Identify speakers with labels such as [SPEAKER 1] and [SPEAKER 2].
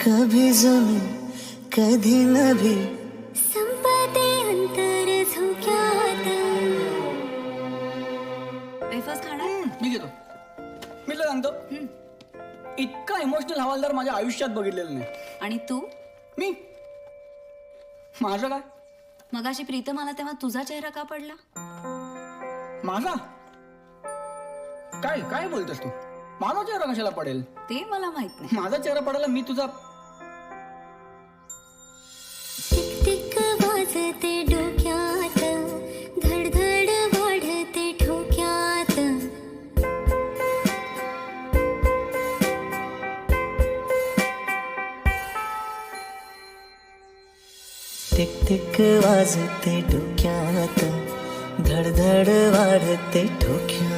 [SPEAKER 1] कभी जमी कधी नभी
[SPEAKER 2] संपते अंतर झोक्यात. वेफर्स खाणार?
[SPEAKER 3] मी घेतो. मी तुला सांगतो, इतका इमोशनल हवालदार माझ्या आयुष्यात बघितलेला नाही.
[SPEAKER 2] आणि तू?
[SPEAKER 3] मी माझं काय?
[SPEAKER 2] मगाशी प्रीतम आला तेव्हा तुझा चेहरा का पडला?
[SPEAKER 3] माझा काय काय बोलतेस तू? माझा चेहरा कशाला पडेल?
[SPEAKER 2] ते मला माहित नाही.
[SPEAKER 3] माझा चेहरा पडायला मी तुझा.
[SPEAKER 2] टिक टिक वाजते डोक्यात, धडधड वाढते ठोक्यात.
[SPEAKER 1] टिक टिक वाजते डोक्यात धडधड वाढते ठोक्यात.